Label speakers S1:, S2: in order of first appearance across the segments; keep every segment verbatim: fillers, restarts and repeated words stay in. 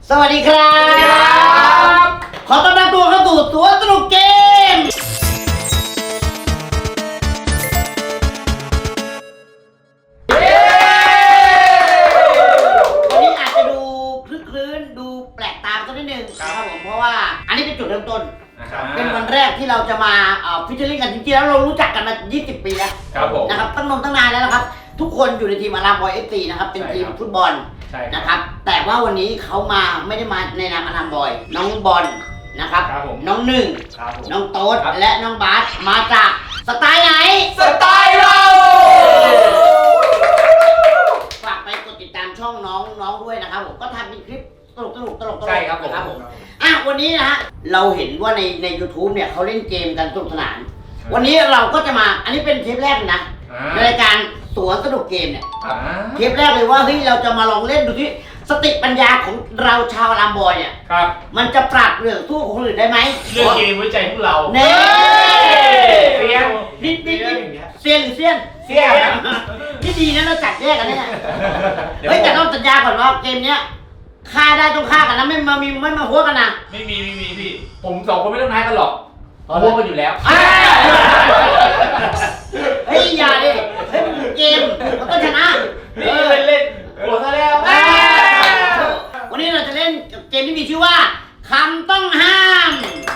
S1: สวัสดีครับขอต้อนรับตัวเข้าสู่ตัวสนุกเกมวันนี้อาจจะดูคลึกคลื้นดูแปลกตาสักนิดนึงนะครับผมเพราะว่าอันนี้เป็นจุดเริ่มต้นเป็นวันแรกที่เราจะมาฟิชเชอร์ลิงกันจริงๆแล้วเรารู้จักกันมายี่สิบปีแล้วนะครับตั้งนมตั้งนานแล้วนะครับทุกคนอยู่ในทีมอารามบอยเอฟซีนะครับเป็นทีมฟุตบอลนะครับแต่ว่าวันนี้เขามาไม่ได้มาในนามอารามบอยน้องบอลนะครับน้องหนึ่งน้องโต๊ดและน้องบาสมาจากสไตล์ไหน
S2: สไตล์เรา
S1: ฝากไปกดติดตามช่องน้องน้องด้วยนะครับผมก็ทำเป็นคลิปตลกตลกตลกตลก
S2: ใช่ครับผม
S1: นะครับผมอ่ะวันนี้นะฮะเราเห็นว่าในใน YouTube เนี่ยเขาเล่นเกมกันสนุกสนานวันนี้เราก็จะมาอันนี้เป็นเทปแรกนะในรายการสวนสนุกเกมเนี่ยเทปแรกเลยว่าเฮ้ยเราจะมาลองเล่นดูที่สติปัญญาของเราชาวลามบอยเนี่ย
S2: ครับ
S1: มันจะปรับเรื่องสู้ของคนอื่นได้ไหม
S2: เรื่องเกมไว้ใจพวกเรา
S1: เน่
S2: เซียน
S1: นิดนิดเซียนหรือเซียน
S2: เซียน
S1: ที่ดีนะเราจัดแยกกันเนี่ยเฮ้ยแต่ต้องสัญญาก่อนว่าเกมเนี้ยฆ่าได้ต้องฆ่ากันนะไม่มามีไม่มาหัวกันนะ
S2: ไม่มีไม่มีพี่ผมสองคนไม่ต้องท้ายกันหรอกหัวกันอยู่แล้ว
S1: เฮ้ยอย่าดิเฮ้ยเกมมันต้องชนะ
S2: เล่นเล่นเล่นโหดซะแล้ว
S1: วันนี้เราจะเล่นเกมที่มีชื่อว่าคำต้องห้าม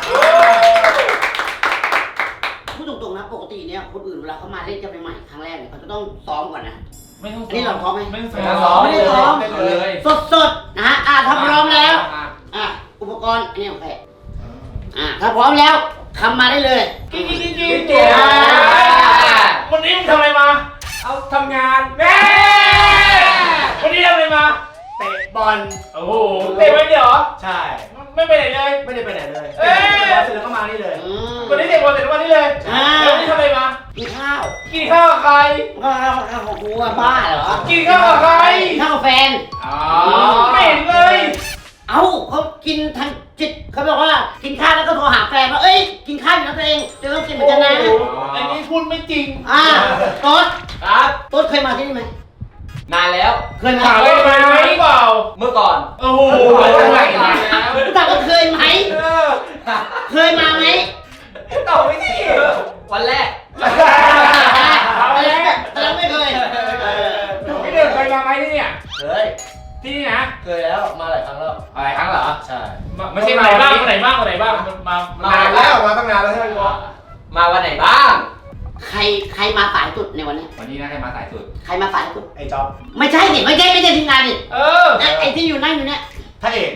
S1: พูดตรงๆนะปกติเนี่ยคนอื่นเวลาเขามาเล่นกันใหม่ๆครั้งแรกเนี่ยเขาจะต้องซ้อมก่อนนะ
S2: ไม่ต้อง
S1: นี่เราซ้อมไหม
S2: ไม่ต้องซ้อม
S1: ไม่ได้ซ้อม
S2: เลย
S1: สดๆนะฮะอ่ะถ้าพร้อมแล้วอ่ะอุปกรณ์อันนี้โอเคอ่ะถ้าพร้อมแล้วทำมาได้เลย
S2: กิ๊กกิ๊กกิ๊กกิ๊กวันนี้มึงทำอะไรมาเอาทำงานแม่วันนี้ทำอะไรมาเตะบอลโอ้โหเตะไปเดี๋ยวใช่ไม่ไปไหนเลยไม่ได้ไปไหนเลยเอ้ยเสร็จแล้วก็มานี่เลยวันนี้เตะบอลเสร็จแล้วมานี่เลยแล้ววันนี้ทำอะไรมา
S1: กินข้าว
S2: กินข้าวกับใคร
S1: ก็ข้าวข้าวของกูบ้าเหรอ
S2: กินข้าวกับใคร
S1: ข้าวกับแฟน
S2: อ๋อไม่เห็นเลย
S1: เอ้าเขากินทางจิตเขาบอกว่ากินข้าวแล้วก็โทรหาแฟนว่าเอ้ยกินข้าวอยู่นะตัวเองจะต้องกินเหมือนกันนะ
S2: อันนี้พูดไม่จริง
S1: อ่าโต๊ด
S2: ครับ
S1: โต๊ดเคยมาที่นี่ไหม
S3: นานแล้ว
S1: เคยมา
S2: เคยมาหรือเปล่า
S3: เมื่อก่อน
S2: โอ้โหอะไรมา
S1: แต่ว่าเคยไหมเคยมาไหม
S3: ตอบไม่ดีวันแรก
S1: วันแรกแต่เราไม่เคย
S2: พี่เดินเคยมาไหมที่เนี่ย
S3: เคย
S2: ที่นี่นะ
S3: เคยแล้วมาหลายครั้งแล้ว
S2: หลายครั้งเหรอ
S3: ใช่
S2: ไม่ใช่มาไหนบ้างมาไหนบ้างมาไหนบ้างมา
S3: มาแล้วมาตั้งนานแล้วใช่ไหมมาวันไหนบ้าง
S1: ใครใครมาสายสุดในวันนี้
S2: วันนี้นะใครมาสายสุด
S1: ใครมาสายสุด
S3: ไอ้จ๊อบ
S1: ไม่ใช่ดิไม่ใช่ไม่ใช่ทีมงานดิ
S2: เออ
S1: ไอ้ที่อยู่นั่งอยู่เนี่ย
S3: ท่าเอก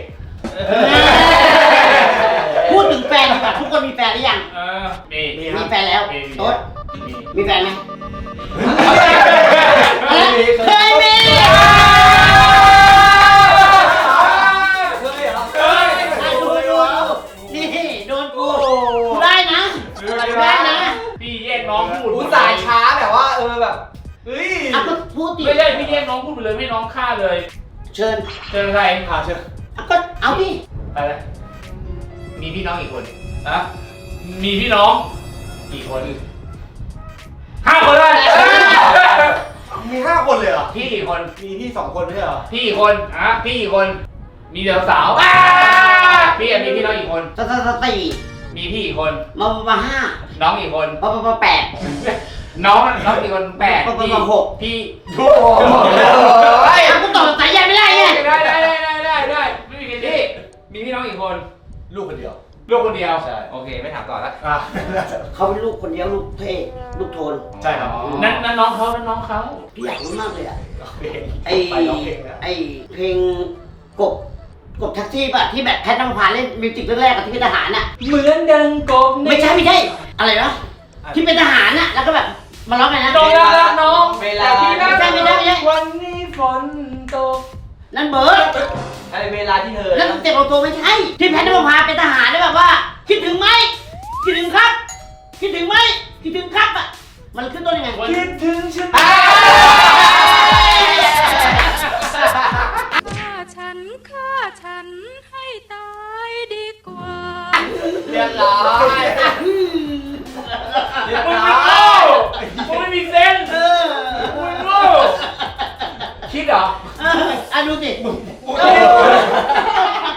S1: พูดถึงแฟนแบบทุกคนมีแฟนหรือยัง
S2: เออมี
S1: มีแฟนแล้วโต๊ดมีแฟนไหมเคยมีได้นะ
S2: พี่แยกน้องพูด
S3: พูดสายช้าแบบว่าเออแบบเฮ้ย
S1: อ่ะก็พูดดิ
S2: ไม่ใช่พี่แยกน้องพูดไปเลยไม่น้องฆ่าเลย
S1: เชิญ
S2: เชิญใครอ่าเชิญ
S1: ก็เอาดิ
S2: ไปเลยมีพี่น้องกี่คนอะมีพี่น้องกี่คนห้าคนเลย
S3: มีห้าคนเลยเหรอ
S2: พี่กี่คน
S3: มีพี่สองคนไม่ใช่เหรอ
S2: พี่กี่คนอ่ะพี่กี่คนมีเด็กสาวพี่มีพี่น้องกี่คน
S1: สสสตี
S2: มีพี่กี่คน
S1: มามาห้า
S2: น้องกี่คน
S1: มามาแปด
S2: น้องน้องกี่คนแปด
S1: มามาหก
S2: พี่
S1: โอ้ยกูต่อสายยันไม่ได้ไง
S2: ได้ได้ได้ได้ได้ไม่มีพี่มีพี่น้องกี่คน
S3: ลูกคนเดียว
S2: ลูกคนเดียว
S3: ใช่
S2: โอเคไม่ถามต่อแล้ว
S1: เขาเป็นลูกคนเดียวลูกเท่ลูกโทน
S3: ใช่ครับ
S2: นั่นนั่นน้องเขานั่นน้องเขา
S1: พี่อยากรู้มากเลยอ่ะไอไอเพลงกบกบแท็กซี่ป่ะที่แบบแพทย์น้ำพาเล่นมิวสิกแรกๆกับที่เป็นทหารน่ะ
S2: เหมือนดังกบ
S1: ไม่ใช่ไม่ใช่อะไรนะที่เป็นทหารน่ะแล้วก็แบบมาร้องไงนะ
S2: น้องน้อง
S3: เวลา
S1: ไม่ใช่ไม่ใช่ไม่ใช่
S2: วันนี้ฝนตก
S1: นั่นเบิร์ด
S3: อะไรเวลาที่เธอ
S1: นั่นเต็มเอาตัวไม่ใช่ที่แพทย์น้ำพาเป็นทหารได้แบบว่าคิดถึงไหมคิดถึงครับคิดถึงไหมคิดถึงครับอ่ะมันขึ้นต้นยังไง
S2: คิดถึงฉัน
S4: ฉันฆ่าฉันให้ตายดีกว่า
S3: เรียบร้อย
S2: เรียบร้อยมึงไม่มีเซนส์มึงโง่คิดเหรอ
S1: อ่ะดูสิ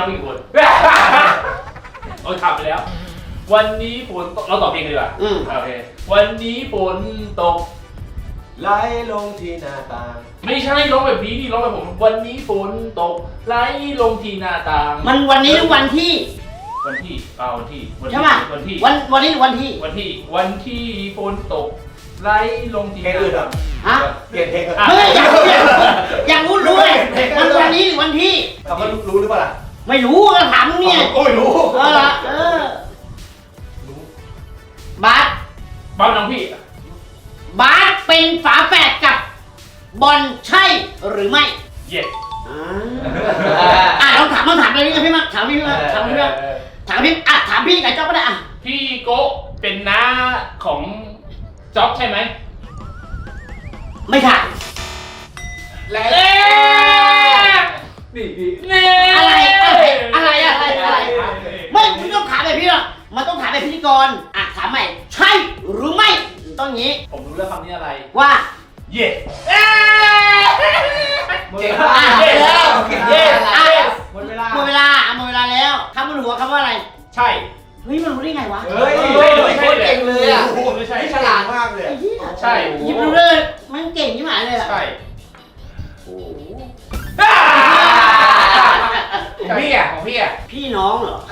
S2: น้องกี่คนโอ้ยขับไปแล้ว วันนี้ฝนตกเราตอบเองดีกว่า
S1: อืม
S2: โอเควันนี้ฝนตก
S3: ไหลลงที่หน้าต่าง
S2: ไม่ใช่ร้องแบบนี้นี่ร้องแบบผมวันนี้ฝนตกไหลลงที่หน้าต่าง
S1: มันวันนี้หรือวันที่
S2: วันที่เอาวันที่วันที่
S1: ใช่ป่ะ
S2: วันที่
S1: วันวันนี้หรือวันที่
S2: วันที่วันที่ฝนตกไหลลงที่
S3: เพลงอื่นเหรอ
S1: ฮะ
S3: เปลี่ยนเพลงเหรอ
S1: เฮ้ยอยากรู้อยากรู้ด้วยมันวันนี้หรือวันที่
S3: เขาก็รู้หรือเปล่าล่ะ
S1: ไม่รู้ก็ถามมึงเนี่ย
S3: โอ้ยรู้
S1: เออละเออ
S3: รู้
S1: บาส
S2: บ้านน้องพี่
S1: บาสเป็นฝาแฝดกับบอลใช่หรือไม่
S2: เย็ด
S1: อ่าอ่ะลองถามลองถามอะไรนี่กับพี่มั้งถามพี่มั้งถามพี่มั้งถามพี่อ่ะถามพี่กับจ๊อบก็ได้อ่ะ
S2: พี่โกะเป็นน้าของจ๊อบใช่ไหม
S1: ไม่ถาม
S3: แล้ว
S2: เอ๊ะ
S3: นี่นี่
S2: นี่
S1: อะไรอะไรอะไรอะไรอะไรไม่คุณต้องถามแบบพี่หรอกมันต้องถามแบบพิธีกรอ่ะถามใหม่ใช่หรือไม่ต้องอย่างนี้
S2: ผมรู้แล้วคำนี้อะไร
S1: ว่า
S2: เย็ด
S3: เจ๋ง
S1: อ่ะ
S3: มาก
S1: เย็ด
S3: แล้ว
S1: เย็ดอ่ะ
S3: หมดเวลา
S1: หมดเวลาอ่ะหมดเวลาแล้วคำบนหัวคำว่าอะไร
S2: ใช่
S1: เฮ้ยมันรู้ได้ไงวะ
S3: เฮ้ย
S2: เฮ้ย
S3: โคตรเก่งเลยอ่ะ
S2: ไม่ใช่
S3: นี่ฉลาดมากเลย
S1: ไอ้เหี้ย
S2: ใช่
S1: หยิบดูเลยมันเก่งที่หมายเลยอ่ะ
S2: ใช่
S1: โอ้โห
S2: ของพี่อ่ะของพี่อ่ะ
S1: พี่น้องเหรอ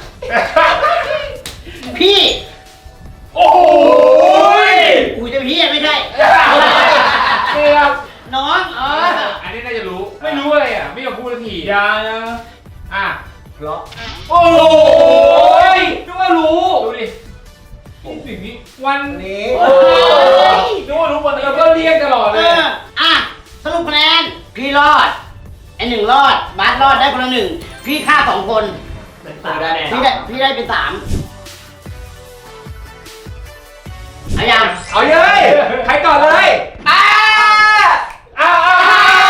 S1: พี่
S2: โอ้โห
S1: อุ้ยจะพี่อ่ะไม่ใช่
S2: เกือบ
S1: น้องเออ
S2: อันนี้น่าจะรู้ ไม่รู้อะไรอ่ะ ไม่ยอมพูดสักทียานะอ่ะ
S3: เพราะ
S2: โอ้ยนึกว่ารู้ ดูดิสิ่งนี้วัน
S3: นี้
S2: โอ้ยนึกว่ารู้วันนี้เราก็เรียกตลอด
S1: เอ
S2: เลย
S1: ออ่ะสรุปคะแนนพี่รอดไอหนึ่งรอดบาสรอดได้คนละหนึ่งพี่ฆ่าสองคน
S3: ได้แน่
S1: พี่ได้พี่ได้เป็นสามเอายัง
S3: เอาเลยใครก่อนเลยอ้า
S2: อ้าวอ้าว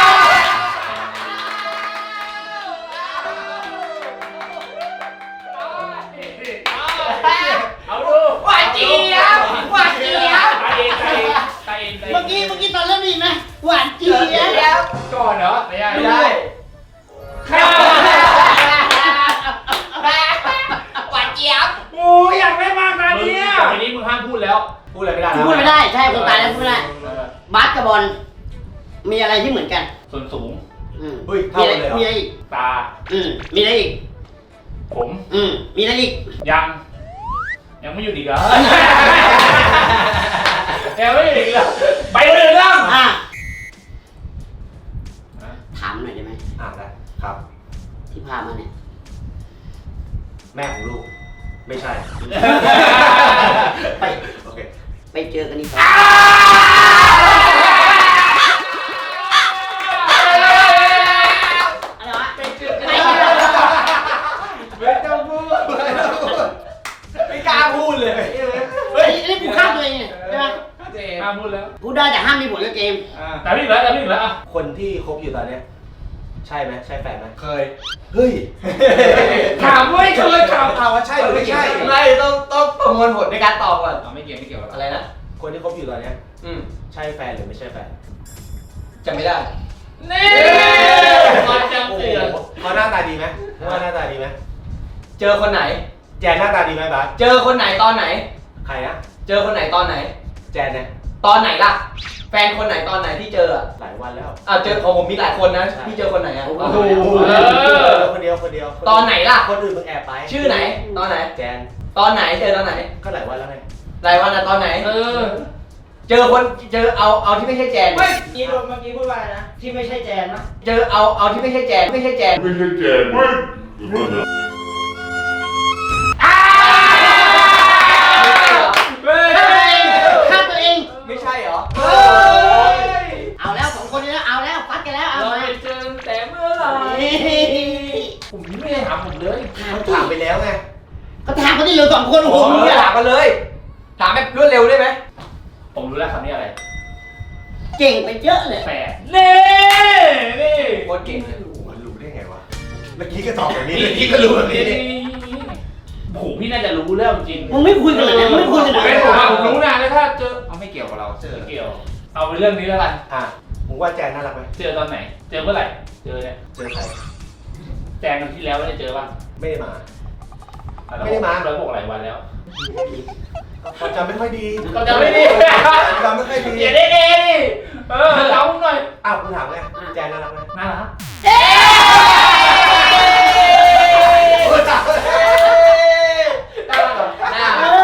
S2: เอาดู
S3: หวานเจี๊ยบหวานเจี๊ยบ
S2: ตายเองตายเองตายเอง
S1: เมื่อกี้เมื่อกี้ตอนเริ่มดีไหมหวานเจี๊ยบ
S2: ก่อนเหรอไม่ได้
S3: ไม่ได้
S2: ข้า
S3: หวานเจี๊ยบ
S2: โอ้ยอยากได้มากนะเนี่ยต่อไปนี้มึงห้ามพูดแล้ว
S3: พูดอะไรไม่ได้
S1: พูดไม่ได้ใช่คนตายแล้วพูดไม่ได้
S2: เออบ
S1: าสกับบอลมีอะไรที่เหมือนกัน
S2: ส่วนสูง
S1: อืม
S3: เฮ้ย
S1: มี
S3: เท่า
S1: อะไร
S3: กันเลยเหรอ
S1: มีอะไรอีก
S2: ตา
S1: อืมมีอะไรอีก
S2: ผม
S1: อืมมีอะไรอีก
S2: ยัง ยังไม่หยุดอีกเหรอ ยังไม่หยุดอีกเหรอไปเลยเรื่อง
S1: อ่ะถามหน่อยได้ไหม
S3: อ่าได้ครับ
S1: ที่พามาเนี่ย
S3: แม่ของลูก ไม่ใช่
S1: ไป
S3: โอเค
S1: ไปเจอกันอีก อะไรวะไปเจอกัน
S3: ไม่ต้องพูดไม่กล้าพูดเลย
S1: เฮ้ยนี่กูฆ่าตัวเองไงใช่ไหม
S3: เจม
S2: ห้ามพูดแล้ว
S1: พูดได้แต่ห้ามมีผลกับเกม
S2: แต่ไม่อีกแล้วแต่ไม่อีกแล้วอ่ะ
S3: คนที่คบอยู่ตอนเนี้ยใช่ไหมใช่แฟนไหมเคย เฮ้ย
S2: ถามว่าเคยถาม
S3: ถามว่าใช่หรือไม่ใช่
S5: ไม่ต้องต้องประมวลผลในการตอบก่อน
S2: เอาไม่เกี่ยวไม่เกี่ยว
S5: อะไรนะ
S3: คนที่คบอยู่ตอนเนี้ย
S5: อืม
S3: ใช่แฟนหรือไม่ใช่แฟน
S5: จำไม่ได้
S2: นี่มาจำ
S3: โอ้โห
S2: เตือน
S3: เขาหน้าตาดีไหมว่าหน้าตาดีไหม
S5: เจอคนไหน
S3: แจนหน้าตาดีไหมบาส
S5: เจอคนไหนตอนไหน
S3: ใครนะ
S5: เจอคนไหนตอนไหน
S3: แจนเนี่ย
S5: ตอนไหนล่ะ แฟนคนไหนตอนไหนที่เจออ่ะ
S3: หลายวันแล้ว
S5: อ่ะเจอของผมมีหลายคนนะ
S3: ใช่
S5: ที่เจอคนไหนอ่ะ
S1: โอ้โห
S5: ตอนไหนอะ
S2: เออ
S3: คนเดียวคนเดียวคเดียว
S5: ตอนไหนล่ะ
S3: คนอื่นมึงแอบไป
S5: ชื่อไหน ตอนไหน
S3: แจน
S5: ตอนไหนเจอตอนไหน
S3: ก็หลายวันแล้วไง
S5: รายวันอ่ะตอนไหน
S2: เออ
S5: เจอคนเจอเอาเอาที่ไม่ใช่แจน
S1: ไม่กี้เมื่อกี้พูดว่าอะไรนะ ที่ไม่ใช่แจนนะ
S5: เจอเอาเอาที่ไม่ใช่แจนไม่ใช่แจน
S6: ไม่ใช่แจนไม่
S1: ฆ่าตัวเอง
S5: ไม่ใช่เหรอ
S1: เฮ้ย เอาแล้วสองคนนี้แล้ว เอาแล้วฟัดกันแล้ว เอา
S2: เรา
S1: มา
S2: ไปเจอแต่เมื่อไหร่
S1: เฮ้ย
S2: ผมไม่ได้ถามผมเลย
S1: ถาม
S3: ถามไปแล้วไง
S1: ก็ถามเขาที่เหลือสองคนโอ้โห
S5: ผม
S1: มึง
S5: จะ
S1: อะ
S5: ถามกันเลย ถามแบบรวดเร็วได้ไหม
S2: ผมรู้แล้วคำนี้อะไร
S1: เก่งไปเยอะเลย
S2: แฝดเน่นี่
S5: โคตรเก่งเลย
S3: มันรู้ได้ไงวะ เมื่อกี้ก็ตอบแบบนี้
S2: นี่
S3: เมื่อกี้ก็รู้แบบนี้
S2: โอ้โหพี่น่าจะรู้แล้วจริง
S1: มึงไม่คุยกันเลยนะมึงไม่คุยกันเลย
S2: เป็นผมอะผมรู้นะแล้วถ้าเจอเอาไม่เกี่ยวกับเราไม่เกี่ยว เอาไปเรื่องนี้แล้วกัน
S3: อ่ะมึงว่าแจนน่ารักไหม
S2: เจอตอนไหน เจอเมื่อไหร่ เจอเนี่ย
S3: เจอใคร
S2: แจงกันที่แล้วไม่ได้เจอป่ะไม่ได้มา
S3: ไม่ได้มาเราบอกหลายวันแล้ว
S2: ความจำไม่ค่อยดี
S3: เราจะไม่ดี
S2: จำไม่ค่อยดี
S3: อย่าได้ดีเออเราหน่อย
S2: อ้าวคุณถามไงแจนน่ารักไหม
S3: น่ารัก
S2: โอ้ยตาย
S3: น่ารักเหรอน่า
S1: เอ
S3: รัก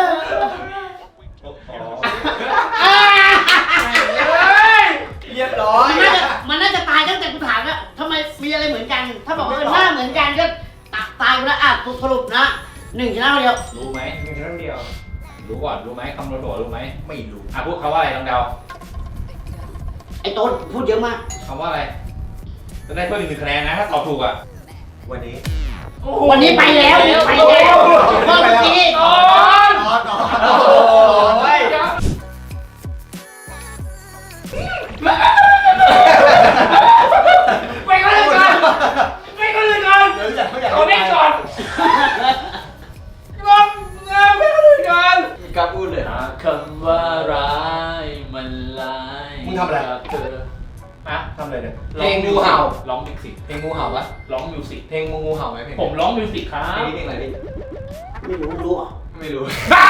S1: อ
S5: เรียบร้อย
S1: มันน่าจะมันน่าจะตายตั้งแต่กูถามแล้วทำไมมีอะไรเหมือนกัน ถ้าบอกว่าหน้าเหมือนกันก็ตตายไปแล้วอ่ะสรุปนะหนึ่งชนะคนเดียว
S3: รู้ไหมมีครั้งเดียว รู้ก่อนรู้ไหมคำนวณตัวรู้ไหม
S2: ไม่รู้
S3: อ่ะพูดคำว่าอะไรลองเดา
S1: ไอ้ต้นพูดเยอะมาก
S3: คำว่าอะไรจะได้เพิ่มอีกหนึ่งคะแนนนะถ้าตอบถูกอ่ะ
S2: วันนี้
S1: วันนี้ไปแล้วไปแล้วเมื่อกี้
S3: ตอน
S2: นอนนอน
S3: โอ้ยไปก็เลยก่อนไปก็เลยก่อน
S2: เดี๋ยวอยากเขาอยาก
S3: เอาเล่นก่อนงงงงไปก็เลยก่อน
S5: มีการพูดเลย
S3: หากคำว่าร้ายมันลาย
S2: มึงทำอะไร
S3: กับเธอฮะ
S2: ทำอะไรเนี่ย
S5: เพลงงูเห่า
S3: ร้องมิวสิก
S5: เพลงงูเห่าปะ
S3: ร้องมิวสิก
S5: เพลงงูงูเห่าไหมเพลง
S3: ผมร้องมิวสิกครับ
S5: เพลงนี้เพลงอะไรพี่
S1: ไม่รู้รู้อ่ะ
S5: ไม่รู้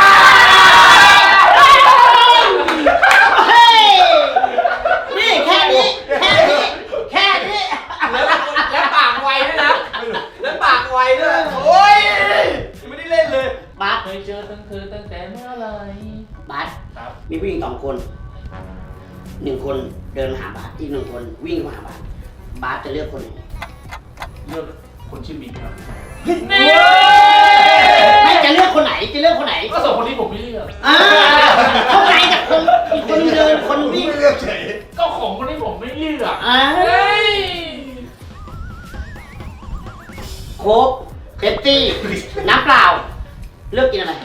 S1: เฮ้ยนี่แค่นี้แค่นี้แค่นี้
S5: แล้วแล้วปากไวด้วยนะแล้วปากไวด้วยโอ้ยยังไม่ได้เล่นเลย
S1: บาส
S3: เคยเจอตั้งเธอตั้งแต่เมื่อไหร
S1: บาส
S3: ครับ
S1: มีผู้หญิงสองคนหนึ่งคนเดินมาหาบาสอีกหนึ่งคนวิ่งมาหาบาสบาสจะเลือกคนไหน
S3: เลือกคนชื่อบิ๊กครับ
S1: ไม่จะเลือกคนไหนจะเลือกคนไหน
S3: ก็สองคนนี้ผมไม่เลือก
S1: อ่าเข้าใจจากคนอีกคนเดินคนวิ่ง
S2: ไม่เลือกเฉย
S3: ก็ของคนนี้ผมไม่เลือก
S1: อ่า
S3: เฮ้ย
S1: โค้กเป๊ปซี่น้ำเปล่า เลือกกินอะไร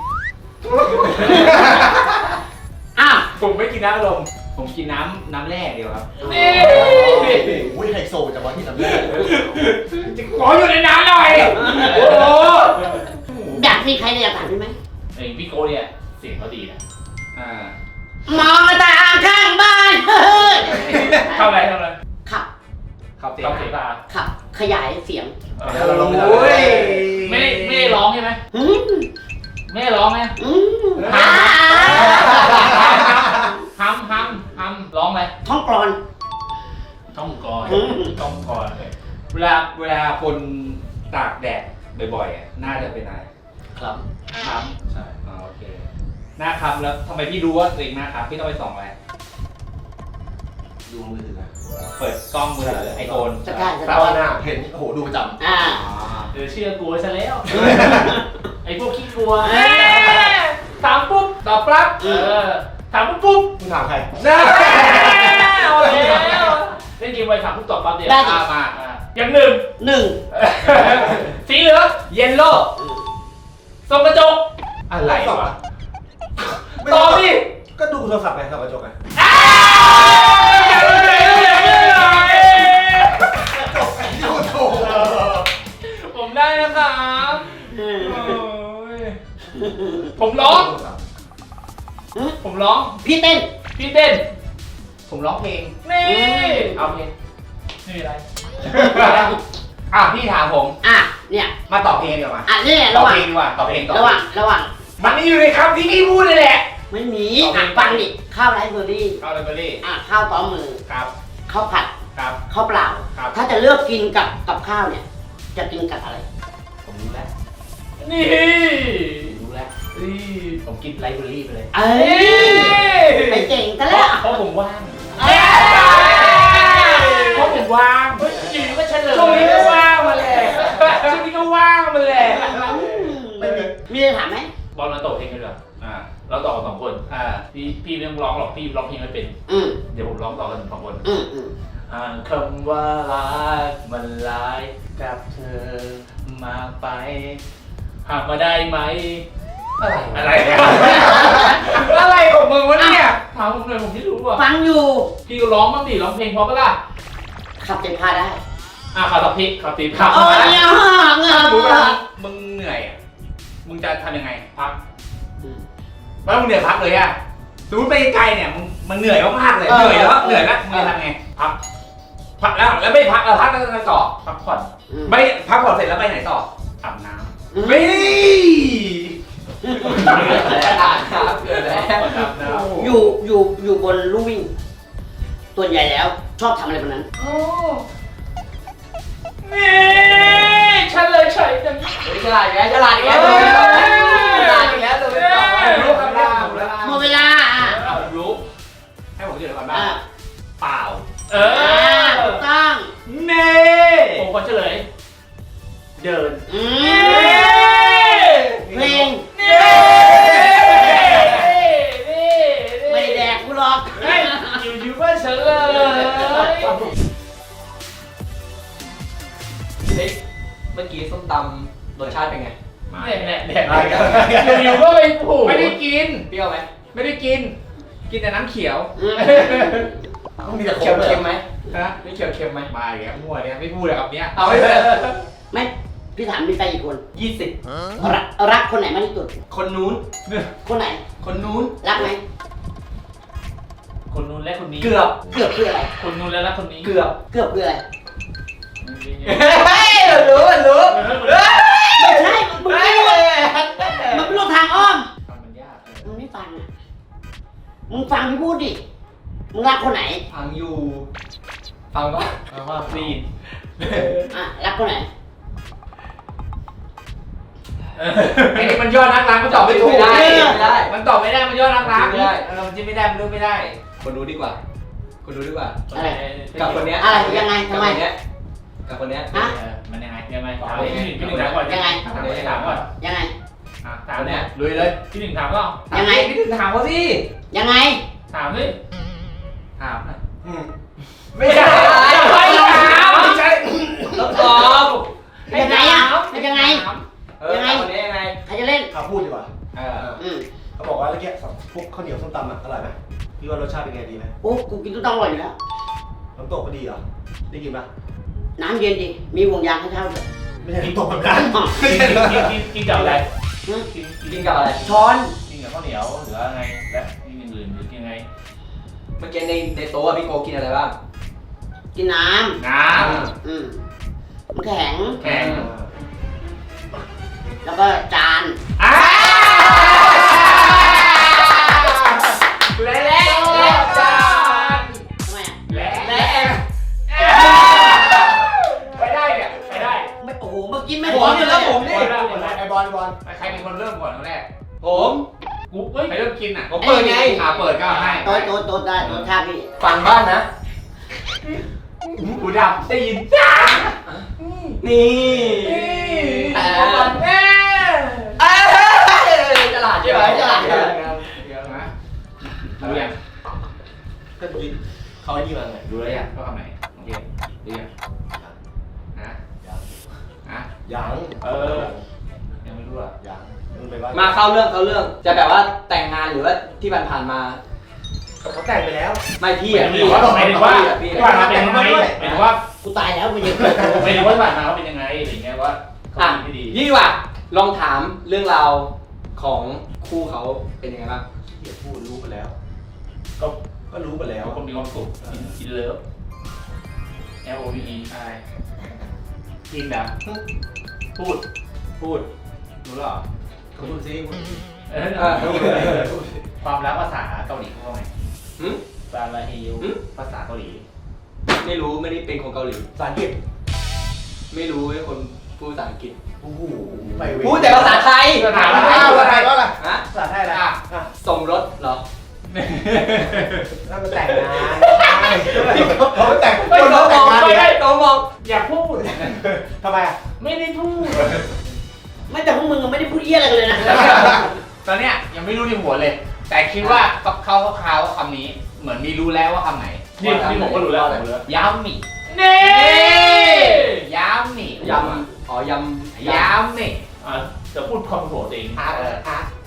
S1: อ้าว
S3: ผมไม่กินน้ำลมผมกินน้ำน้ำแร่เดียวครับ
S1: นี่
S2: อุ้ยไฮโซจังวะที่ทำได้
S3: ขออยู่ในน้ำหน่อยโอ้โห
S1: อยากมีใครอยากถามพี่ไหม
S3: ไอ้พี่โก้เนี่ยเสียงเขาดีนะอ่าม
S1: องมาตางข้างบ้านเฮ้ย
S3: ทำอะไรทำอะไร
S1: ขับ
S3: ขับเสียงเสียงตา
S1: ขับขยายเสียง
S3: เอ
S2: เราลง
S5: โอ้ย
S3: ไม่ได้ไม่ได้ร้องใช่ไหม
S1: อืม
S3: ไม่ได้ร้องไหม
S1: อืม
S3: ฮั
S1: อ่าม
S3: ฮัมฮัมร้องไหม
S1: ท้องกรอน
S3: ท่องกร
S1: อืม
S3: ท่องกรเวลาเวลาคนตากแดดบ่อยๆอ่ะหน้าจะเป็นอะไร
S5: ครับ
S3: คล้ำใช่อ๋อโอเคหน้าคล้ำแล้วทำไมพี่รู้ว่าตัวเองหน้าคล้ำพี่ต้องไปส่องอะไร
S2: ดูมือถือนะ
S3: เปิดกล้องมือถือไอโฟน
S1: สกายส
S2: ตาก
S1: าย
S2: หน้าเห็นโอ้โหดูประจำ
S1: อ่า
S3: เออเชื่อกูซะแล้ว ไอพวกขี้กลัว
S1: เอ้ย
S3: ถามปุ๊บตอบปั๊บเออถามปุ๊บปุ๊บ
S2: คุณถามใคร
S3: น่าเอาแล้วเล่นเกมไวถามปุ๊บตอบปั๊บเดี๋ยว
S1: ได้ดิ
S3: อ่ะมาอ่ะอย่างหนึ่ง
S1: หนึ่ง
S3: สีเหลืองเยลโล่ส่องกระจกอะไรวะตอบดิ
S2: ก็ดูโทรศัพท์ไงครับกระจกไง
S3: อ้าวอย่าเลยอย่าเลยอย่าเลย
S2: จบไอ้โถ
S3: ผมได้นะครับ
S1: อืม
S3: โอ้ยผมร้อง ผมร้อง
S1: พี่เต้น
S3: พี่เต้น ผมร้องเพลง นี่ เอาเพลงไม่มีอะไร อ่ะพี่ถามผม
S1: อ่ะเนี่ย
S3: มาตอบเพลงดีกว่า
S1: อ่ะเนี่ย
S3: ตอ
S1: ระ
S3: บ
S1: หว่าง
S3: เพลงดีกว่าตอบเพลงตอบ
S1: ระหว่างระหว่าง
S3: มันนี่อยู่ในคำที่พี่พูดเลยแหละ
S1: ไม่มี
S3: เอาเพล
S1: อ่ะ
S3: ง
S1: ฟังดิข้าวไรซ์เบอร์รี่
S3: เอาเลยเบอร์รี่
S1: อ่ะข้าวต้อมมือ
S3: ครับ
S1: ข้าวผัด
S3: ครับ
S1: ข้าวเปล่า
S3: ครับ
S1: ถ้าจะเลือกกินกับกับข้าวเนี่ย จะกินกับอะไร
S3: ผมรู้แล้ว นี่
S1: ผมรู้แล้ว
S3: นี่ผมกินไลฟ์เบอร์รี่ไปเลย
S1: เอ้ยไปเก่งกันแล้ว
S3: เพราะผมว่าง
S1: เอ้ย
S3: เพราะผมว่างอยู่ก็เฉลยช่วงนี้ก็ว่างมาแหละช่วงนี้ก็ว่างมาแหละ
S1: ไม่มีมีอะไรถามไหม
S3: บอลมาตอบเพลงกันเหรออ่า เราตอบกันสองคน อ่า พี่พี่ไม่ต้องร้องหรอก พี่ร้องเพลงไม่เป็น
S1: อืม
S3: เดี๋ยวผมร้องต่อกันสองคน
S1: อืมอืม
S3: อ่านคำว่ารักมันหลายกับเธอมากไป หากมาได้ไหม อะไรอะไรเนี่ย อะไรของมึงวะเนี่ย ถามผมหน่อยผมไม่รู้อ่ะ
S1: ฟังอยู่
S3: พี่ก็ร้องบ้างดิร้องเพลงเพราะปะล่ะ
S1: ขับเต็มพาได้
S3: อ่ะข่าวตับพริกข่าวตีผัก
S1: เออเนี่ยเงา
S3: สมมติ
S1: เงา
S3: ว่ามึงเหนื่อยอ่ะ มึงจะทำยังไง พักแล้วมึงเหนื่อยพักเลยอ่ะสมมติไปไกลเนี่ย มึงมันเหนื่อยมากๆเลย เหนื่อยแล้วเหนื่อยแล้วมึงจะทำไง พัก พักแล้วแล้วไม่พักแล้วพักแล้วจะต่อ พักผ่อน ไม่พักผ่อนเสร็จแล้วไปไหนต่ออาบน้
S1: อืม
S2: ไม่
S5: อ่านครับเกิดแล้ว
S3: ำอาบน้ำ
S1: อยู่อยู่อยู่บนลู่วิ่งตัวใหญ่แล้วชอบทำอะไรบนนั้น
S3: โอ้นี่ฉันเลยเฉยจัง
S5: เฮ้ยฉลาดอีกแล้วฉลาดอีกแล้วฉลาดอีกแล้วตัวเป็นต่อ
S2: รู้คำราม
S1: หมดเวลาอ่ะ
S2: เอารู้ให้ผมเดี๋ยวก่อนบ้าง
S1: อ่ะ
S2: เปล่า
S3: เอ
S1: อ่า
S3: อ
S1: ถูกต้อง
S2: เน่
S3: ผมขอเฉลย เดิน
S1: อื
S3: เน่
S1: มเพลง
S3: เน่เน่
S1: ไม่ได้แดกกูหรอก
S3: เฮ้ยอยู่อยู่บ้านเฉลย
S5: เฮ้ยเมื่อกี้ส้มตำรสชาติเป็นไง
S3: แน่แน่แน่อยู่ๆก็ไปผูก
S2: ไม่ได้กิน
S5: เปรี้ยวไหม
S2: ไม่ได้กิน กินแต่น้ำเขียว
S1: อืม
S2: มีแต่
S5: เค็มเค็มไหม
S2: ฮะ
S5: ไม่เค็มเค็มไหม
S2: มาอีกแล้วมั่วเนี่ยไม่พูดเลยครับเนี้ย
S5: เอาไม่เป็น
S1: ไม่พี่ถามมีแฟนกี่คน
S5: ยี่สิบ
S1: รักรักคนไหนมากที่สุด
S5: คนนู้น
S1: คนไหน
S5: คนนู้น
S1: รักไหม
S3: คนนู้นและคนนี้
S5: เกือบ
S1: เกือบคืออะไร
S3: คนนู้นและรักคนนี้
S5: เกือบ
S1: เกือบคืออะไร
S5: เฮ้ยรู้รู้
S1: ไม่ใช่มึงไม่รู้มันเป็นโลกทางอ้อม
S3: มันยาก
S1: มึงไม่ฟังอ่ะมึงฟังพี่พูดดิมึงรักคนไหน
S5: ฟังอยู่ ฟังก่อน
S3: เอาว่าฟรี
S1: อ่ะรักคนไหน
S2: ไอ้นี่มันยอดนักล้างมันตอบไม่ถูก
S5: ไม่ได้ไม่ได้
S2: มันตอบไม่ได้มันยอดนักล้าง
S5: ไม่ได้
S2: เออมันจิ้มไม่ได้มันรู้ไม่ได้
S5: คนรู้ดีกว่า คนรู้ดีกว่า
S1: อะไร
S5: กับคนเนี้ย
S1: อะไรยังไงทำไม
S5: กับคนเนี้ยกับคนเนี้ย
S1: ฮะ
S3: มันยังไงยังไงถามพี่หนึ่งพี่หนึ่งถามก่อน
S1: ยังไง
S3: ถามก่อนถามก่อน
S1: ยังไง
S3: อ่ะถา
S5: ค
S3: ม
S5: น
S3: เนี่
S5: เนี้
S3: ย
S5: ยลุยเลย
S3: พี่หนึ่งถามก็
S1: ยังไง
S2: พี่ถึงถามเขาสิ
S1: ยังไง
S3: ถามสิ
S2: ถามหน่อย
S5: ไม่ใช่
S2: ไม่ถามไม่ใช่
S5: ต้องตอบ
S1: ยังไงอ่ะเป็นยังไง
S5: เออกับคนเนี้ยยังไง
S1: ใครจะเล่น
S6: เขาพูดดีกว่า
S2: เออ
S1: อืม
S6: เขาบอกว่าเมื่อกี้พวกข้าวเหนียวส้มตำอ่ะอร่อยไหมพี่ว่ารสชาติเป็นไงดีไหม
S1: โอ้กูกินตุ้ต้องอร่อยอยู่แล้ว
S6: น้ำตกก็ดีเหรอ ได้กินปะ
S1: น้ำเย็นดิ มีห่วงยางให้เช่าด้วย
S6: ไม่ใช่น้ำตกแบบนั้น
S1: อ๋อ
S6: ไม่ใช่เหรอ
S3: กินกินกินกับอะไร
S1: อืม
S3: กินกิน
S5: กินกับอะไร
S1: ช้อน
S3: กินกับข้าวเหนียวหรือว่าไงและกินอย่างอื่นหรือกินยังไง
S5: เมื่อกี้ในในโต๊ะอะพี่โกกินอะไรบ้าง
S1: กินน้
S2: น้
S1: ำ อืมน้ำแข็ง
S2: ำแข็ง
S1: แล้วก็จาน
S2: อ้า
S5: และและและจาน
S1: ทำไมอ่ะ
S2: และ
S5: และ
S2: ไปได้เนี่ยไปได้
S1: ไม่โอ้โห เมื่อกี้ไม่
S5: ผมเนี่ยแล้วผมนี่
S6: ไอบอลไอบอล
S2: ใครเป็นคนเริ่มก่อนคนแรก
S5: ผม
S3: กูเฮ้ย
S2: ใครเริ่มกินอ่ะ
S5: ผมเปิดไง
S2: อ่าเปิดก็ให้
S1: โต๊ะโต๊ะโต๊ะได้โต๊ะท่าพี่
S5: ฟังบ้านนะ
S2: หูดับได้ยินจ้า
S5: นี่
S2: แต่
S5: แต่
S2: ก่อนแม่
S5: เอ้ยฉลาดใช่ไหมฉลาดใช่ไหม
S2: เดี๋ยวนะรู้ยัง
S6: ก็กินเขาไอ้นี่มาไง
S2: รู้แล้วยังว่าคำไหนโอเครู้ยังนะนะ
S6: ยัง
S2: เออยังไม่รู้อ่ะ
S6: ยังมึงไปว่า
S5: มาเข้าเรื่องเข้าเรื่อง จะแบบว่าแต่งงานหรือว่าที่ผ่านๆมา
S6: เขาแต่งไปแล้ว
S5: ไม่พี่
S3: ห
S5: อะ
S3: มาย
S5: พี่
S3: ถึงว่าหมายถึงว่า
S5: พี่
S3: ที่ผ่านมาเป็นยังไงหมายถึงว่า
S1: กูตายแล้วมันยัง
S3: หมายถึงว่าที่ผ่านมาเขาเป็นยังไงอะไรเงี้ยว่าเขา
S5: อ่ะ
S3: ดีไม่ดี
S5: ยี่ดีกว่าลองถามเรื่องราวของคู่เขาเป็นยังไงบ้าง
S6: เหี้ยพูดรู้ไปแล้ว
S3: ก็
S6: ก็รู้ไปแล้ว
S3: คนมีความสุขกินกินเลิฟ L O V E
S2: ใช่
S3: กินนะพูด
S2: พูดรู้หรอ
S6: เขาพูดซิพูดซิ
S3: เออ
S5: เออ
S3: ความรักภาษาเกาหลีเขาว่าไง
S5: หึ
S3: ซาลาเฮล
S5: หึ
S3: ภาษาเกาหลี
S5: ไม่รู้ไม่ได้เป็นคนเกาหลี
S6: ภาษาอังกฤษ
S5: ไม่รู้เป็นคนพูดภาษาอังกฤษ
S6: โอ้โหไปเว
S5: พูดแต่ภาษาไทย
S2: ภาษา
S6: ภา
S2: ไทย
S6: ษาไทยว่าอะไร
S5: ฮะ
S6: ภาษาไทยอะไร
S2: อ่ะ
S6: อ่ะ
S5: สมรสเหรอ
S6: แล้วมันแต่งงานเขาแต่ง
S5: ไม่
S6: คน
S5: ต้
S6: เขา
S5: องม
S6: แต่
S5: อง ง
S6: งาน
S5: ไม่
S6: อีก
S5: ได้
S6: แล้ว
S5: ต้องมอง
S3: อย่าพูด
S6: ทำไมอ่ะ
S3: ไม่ได้พูด
S1: ไม่แต่พวกมึงไม่ได้พูดเยี่ยอะไรกันเลยนะ
S2: ตอนเนี้ยยังไม่รู้ในหัวเลย แต่คิดว่าเขาเขาเขาคำนี้เหมือนมีรู้แล้วว่าคำไหน
S3: นี่นี่ผมก็รู้แล้วผมรู้แล้ว
S2: ยำหมี่
S3: เน่
S2: ยำหมี่
S5: ยำอ๋อยำ
S2: ยำหมี่
S3: อ่ะจะพูดความโหดเอง
S6: อาร์ตอาร์ต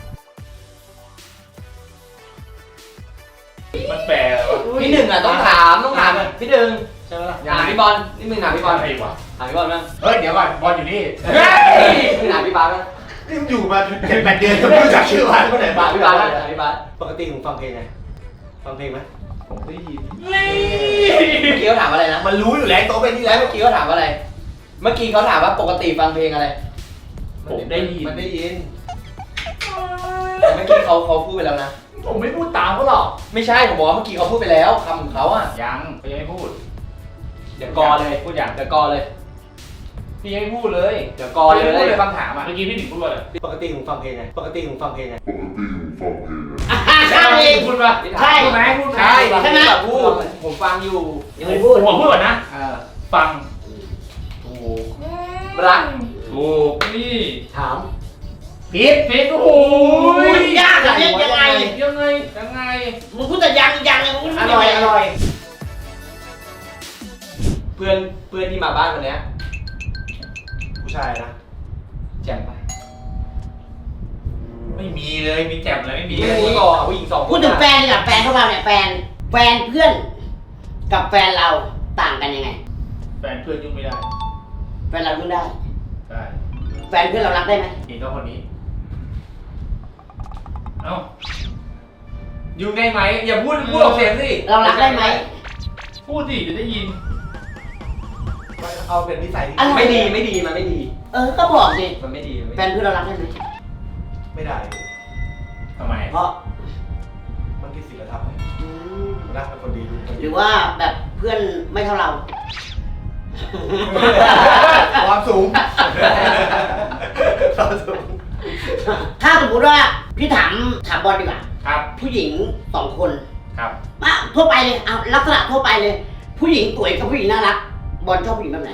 S3: มันแปลว่า
S5: พี่หนึ่งอ่ะต้องถามต้องถามพี่หนึ่ง
S6: ใช่ไหมล่ะ
S5: ถามพี่บอลนี่มึงถามพี่บอล
S3: อะไรวะ
S5: ถามพี่บอลมั้ง
S2: เฮ้ยเดี๋ยวก่อนบอลอยู่นี่
S5: มึงถามพี่บาสมั้ง
S6: นี่มึงอยู่มาเจ็ดแปดเดือนยังไม่รู้จักชื่อวันคนไหน
S5: ถา
S6: บ้าม ง
S5: พี่บาสมั้งถามพี่บาส
S6: ปกติผมฟังเพลงไง ฟังเพลงไหม
S3: ผมได้ยิน
S5: เมื่อกี้เขาถามอะไรนะ
S6: มันรู้อยู่แล้วโต๊ะเป็นนี่
S5: แล้
S6: แล้ว ว
S5: เมื่อกี้เขาถามว่าอะไร เมื่อกี้เขาถามว่าปกติฟังเพลงอะไร
S3: ผมได้ยิน
S6: มันได้ยินแต่เมื่อกี้เขาเขาพูดไปแล้วนะ
S3: ผมไม่พูดตามเขาหรอก
S6: ไม่ใช่ผมบอกว่าเมื่อกี้เขาพูดไปแล้วคำของเขาอ่ะ
S3: ยังพี่ยังไม่พูด
S6: เดี๋ยวกอเลย
S3: พูดอย่าง
S6: เดี๋ยวกอเลย
S3: พี่ยังไม่พูดเลย
S6: เดี๋ยวกอเลย
S3: พี่งไม่พูดเลยคำถามอ่ะเมื่อกี้พี่หนิงพูดว่าอะไร
S6: ปกติผมฟังเพลงไงปกติผมฟังเพลงไง
S1: อ่ะใช่
S3: พูดป่ะ
S1: ใช่
S3: พูดไหมพูดไหม
S6: ใช่
S1: ใช่ไหม
S6: แบบพูดผมฟังอยู่
S1: ยังไม่พูด
S3: ผมขอพูดก่อนนะ
S6: เออ
S3: ฟังถูก
S6: รัก
S3: ถูกนี่
S6: ถาม
S3: ผิดผิดโอ้โห
S1: ยากอะเนี่ยยังไง
S3: ยังไงยังไง
S1: มึงพูดแต่ยังยังมึงพูด
S6: อ
S1: ไม่
S6: ร่อย
S1: ได้
S6: อร่อยเพื่อนเพื่อนที่มาบ้านวันเนี้ยผู้ชายนะแจ่มไป
S3: ไม่มีเลยมีแจ่มเลยไม่มี
S6: มี
S3: เลย
S6: ผู้ก่อผู้หญิงสองคน
S1: พูดถึงแฟนดีกว่าแฟนเข้ามาเนี่ยแฟนแฟนเพื่อน กับแฟนเราต่างกันยังไง
S3: แฟนเพื่อนยุ่งไม่ได้
S1: แฟนเรายุ่งได้
S3: ได้
S1: แฟนเพื่อนเรารักได้ไหม
S3: เห็นก็คนนี้ เอ้า
S6: ยุ่งได้ไหมอย่าพูดพูดออกเสียงสิ
S1: เรารักได้ไหม
S3: พูดดิจะได้ยิน
S6: เอาเป็นนิสัย
S1: อะไร
S6: ไม่ดีไม่ดีมันไม่ดี
S1: เออก็บอกสิ
S6: มันไม่ดีมัน
S1: แฟ
S6: ไม่
S1: น
S6: ดี
S1: เพื่อนเรารักได้ไหม
S6: ไม่ได้
S3: ทำไม
S1: เพราะ
S6: มันผิดศีลธรรมรักเป็นคนดี
S1: หรือว่าแบบเพื่อนไม่เท่าเรา
S6: ความสูงความสูง
S1: ถ้าสมมติว่าพี่ถามถามบอลดีกว่า
S3: ครับ
S1: ผู้หญิงสองคน
S3: ครับ
S1: อ่ะทั่วไปเลยเอาลักษณะทั่วไปเลย ผู้หญิงสวยกับผู้หญิงน่ารัก บอลชอบผู้หญิงแบบไหน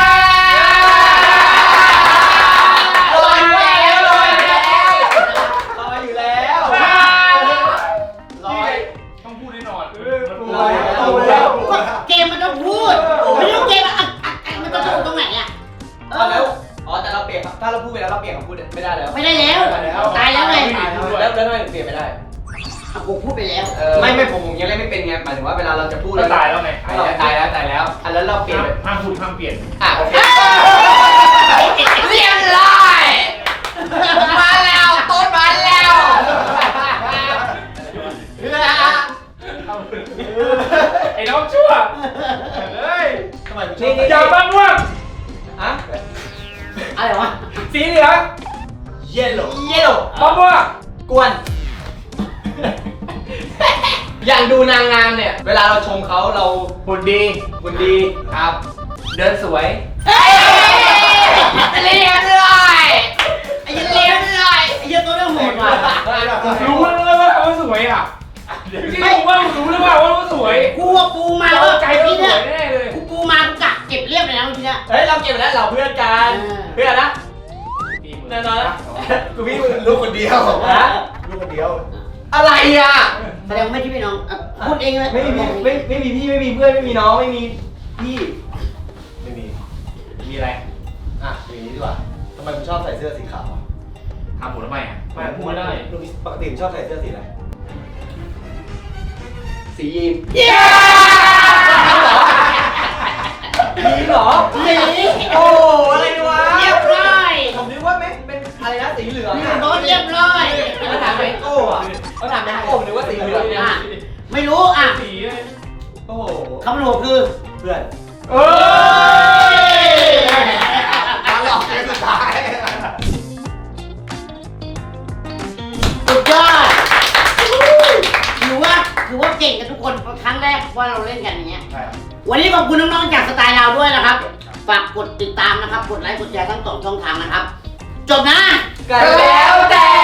S6: ลอยแล้วลอยแล้วลอยอยู่แล้วลอย
S3: ต้องพูดแน่นอน
S6: ลอยแล้ว
S1: ก็เกมมันต้องพูดไม่รู้เกมอะอ่ะอ่ะอ่ะมันจะถูกตรงไหนอ่ะเอ
S6: เอาแล้ว
S1: อ
S6: อ๋อแต่เราเปลี่ยนถ้าเราพูดไปแล้วเราเปลี่ยนคำพูดไม่ได้แล้ว
S1: ไม่ได้แล้วตายแล้วไง
S6: แล้วแล้วทำไมเปลี่ยนไม่ได้
S1: อ่ะกูพูดไปแล้ว
S6: ไม่ไม่ผมผมยังเล่นไม่เป็นไงหมายถึงว่าเวลาเราจะพูด
S3: ก็ตายแล้วไง
S6: ตายแล้วตายแล้วอันแล้วเราเปลี่ยน
S3: ห้ามพูดห้ามเปลี่ยน
S6: อ่ะโอเค
S1: เรียบร้อยมาแล้วต้นมาแล้ว
S3: ไอ้น้องชั่วเฮ้ย
S6: ทำไม
S3: นี่อย่าบ้างว่ะ
S6: อะ
S1: อะไรวะ
S3: สีเหลือง
S6: เยลโล่เยลโล่
S3: บ้างว่ะ
S6: กวน อย่างดูนางงามเนี่ย เวลาเราชมเขาเรา
S3: หุ่นดี
S6: บุญดีครับ
S3: เดินสวย
S1: เฮ้ยเรียบร้อยไอ้ยันเรียบร้อยไอ้ยันตัวเรื่องโหดว่ะ
S3: รู้เลยว่าเขาสวยอ่ะไม่ว่ารู้เลยว่าว่าสวย
S1: กูว่ากูมา
S3: เรา
S1: แล้ว
S3: ใจ
S1: ไอ้
S3: ก็
S1: นี่
S3: ส
S1: เนี่
S3: วย ยแน่เลย
S1: กูกูมากูกะเก็บเรียบเลยนะเมื่อกี้เนี่ย
S6: เฮ้ยเราเก็บไปแล้วเราเพื่อนกัน
S1: เออ
S6: เพื่อนนะแน่นอนนะกูพี่ลูกคนเดียวนะลูกคนเดียว อะไรอ่ะ
S1: แสดงว่าไม่ใช่พี่น้องอ่ะพูดเองเลย
S6: ไม่มีไม่ไม่มีพี่ไม่มีเพื่อนไม่มีน้องไม่มีพี่ไม่มี
S3: มีอะไร
S6: อ่ะอย่างนี้ดีกว่าทำไมคุณชอบใส่เสื้อสีขาว
S3: ทำผมทำไมอ่ะ
S6: ไม่
S3: พูดไม่ได้
S6: ปกติคุณชอบใส่เสื้อสีอะไรสียีน
S1: เย้
S6: ยีนเหรอ
S1: หนี
S6: โอ้อะไรวะ
S1: เรียบร้อย
S6: ผมนึกว่าไม่เป็นอะไรนะสีเหลือง
S1: โดนเรียบร้อย
S6: เขาถามแมงโก้อะเขาถามแมงโก้ผมนึกว่าสีเหลืองเนี่ย
S1: อ่ะไม่รู้อ่ะ
S3: สีเลย
S6: โอ้โห
S1: คำหนูคือ
S6: เพื่อน
S3: เอ้ย
S6: มาหลอกเกมสุดท้าย
S1: สุดยอดถือว่าถือว่าเก่งกันทุกคนครั้งแรกว่าเราเล่นกันอย่างเงี้ย
S6: ใช่ครับ
S1: วันนี้ขอบคุณน้องๆจากสไตล์เราด้วยนะครับ ฝากกดติดตามนะครับ กดไลค์ กดแชร์ทั้งสองช่องทางนะครับ จบนะ
S6: กันแล้วแต่